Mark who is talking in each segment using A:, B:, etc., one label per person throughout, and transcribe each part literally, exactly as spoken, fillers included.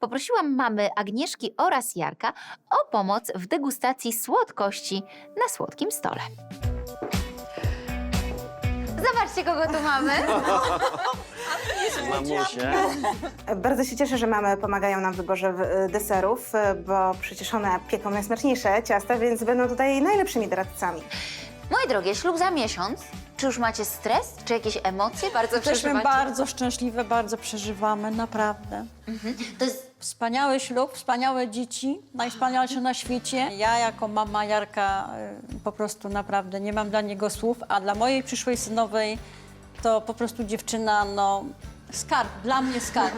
A: poprosiłam mamy Agnieszki oraz Jarka o pomoc w degustacji słodkości na słodkim stole. Zobaczcie, kogo tu mamy.
B: Mamusie.
C: Bardzo się cieszę, że mamy pomagają nam w wyborze w- deserów, bo przecież one pieką najsmaczniejsze ciasta, więc będą tutaj najlepszymi doradcami.
A: Moje drogie, ślub za miesiąc. Czy już macie stres? Czy jakieś emocje bardzo
D: Jesteśmy
A: przeżywacie?
D: bardzo szczęśliwe, bardzo przeżywamy, naprawdę.
A: To jest
D: Wspaniały ślub, wspaniałe dzieci, najwspanialsze na świecie. Ja jako mama Jarka y, po prostu naprawdę nie mam dla niego słów, a dla mojej przyszłej synowej to po prostu dziewczyna, no skarb, dla mnie skarb.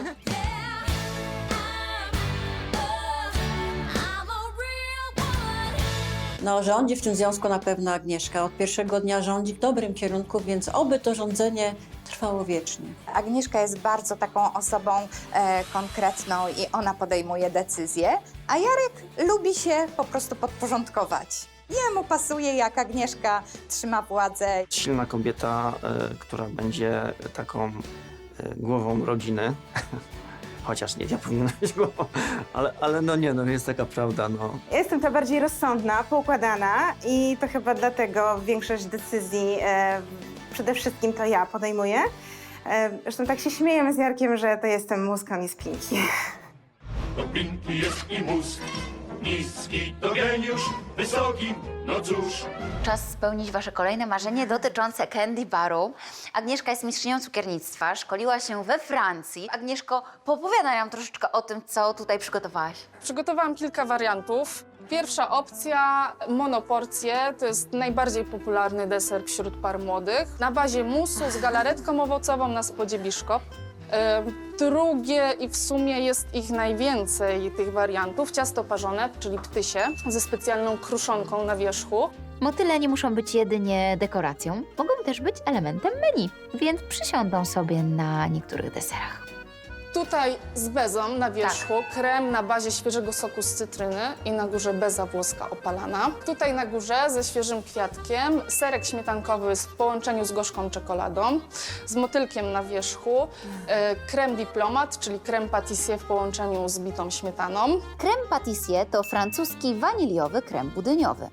D: No, rządzi w tym związku na pewno Agnieszka. Od pierwszego dnia rządzi w dobrym kierunku, więc oby to rządzenie trwało wiecznie.
E: Agnieszka jest bardzo taką osobą e, konkretną i ona podejmuje decyzje, a Jarek lubi się po prostu podporządkować. Jemu pasuje, jak Agnieszka trzyma władzę.
B: Silna kobieta, y, która będzie taką y, głową rodziny. Chociaż nie, ja powinienem być głową, ale, ale no nie, no jest taka prawda, no.
C: Ja jestem ta bardziej rozsądna, poukładana i to chyba dlatego większość decyzji e, przede wszystkim to ja podejmuję. E, zresztą tak się śmiejemy z Jarkiem, że to jestem mózg, a nie spinki.
F: To Pinki jest i mózg, niski to geniusz, wysoki, no cóż.
A: czas spełnić wasze kolejne marzenie dotyczące candy baru. Agnieszka jest mistrzynią cukiernictwa, szkoliła się we Francji. Agnieszko, poopowiadaj nam troszeczkę o tym, co tutaj przygotowałaś.
G: Przygotowałam kilka wariantów. Pierwsza opcja, monoporcje, to jest najbardziej popularny deser wśród par młodych. Na bazie musu z galaretką owocową na spodzie biszkopt. E, Drugie i w sumie jest ich najwięcej, tych wariantów, ciasto parzone, czyli ptysie, ze specjalną kruszonką na wierzchu.
A: Motyle nie muszą być jedynie dekoracją, mogą też być elementem menu, więc przysiądą sobie na niektórych deserach.
G: Tutaj z bezą na wierzchu, krem na bazie świeżego soku z cytryny i na górze beza włoska opalana. Tutaj na górze ze świeżym kwiatkiem, serek śmietankowy w połączeniu z gorzką czekoladą, z motylkiem na wierzchu, e, krem diplomat, czyli krem patissier w połączeniu z bitą śmietaną.
A: Krem patissier to francuski waniliowy krem budyniowy.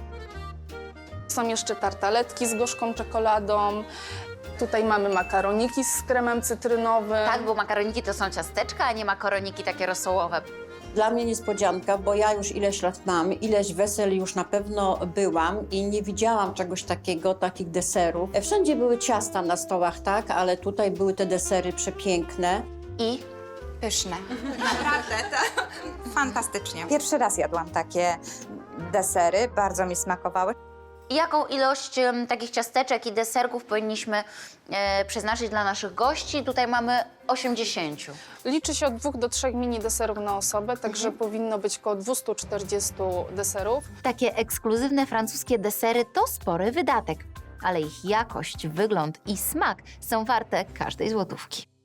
G: Są jeszcze tartaletki z gorzką czekoladą. Tutaj mamy makaroniki z kremem cytrynowym.
A: Tak, bo makaroniki to są ciasteczka, a nie makaroniki takie rosołowe.
D: Dla mnie niespodzianka, bo ja już ileś lat mam, ileś wesel już na pewno byłam i nie widziałam czegoś takiego, takich deserów. Wszędzie były ciasta na stołach, tak, ale tutaj były te desery przepiękne.
A: I
E: Pyszne. Naprawdę, to fantastycznie. Pierwszy raz jadłam takie desery, bardzo mi smakowały.
A: jaką ilość em, takich ciasteczek i deserków powinniśmy e, przeznaczyć dla naszych gości? Tutaj mamy osiemdziesiąt.
G: Liczy się od dwóch do trzech mini deserów na osobę, także powinno być około dwieście czterdzieści deserów.
A: Takie ekskluzywne francuskie desery to spory wydatek, ale ich jakość, wygląd i smak są warte każdej złotówki.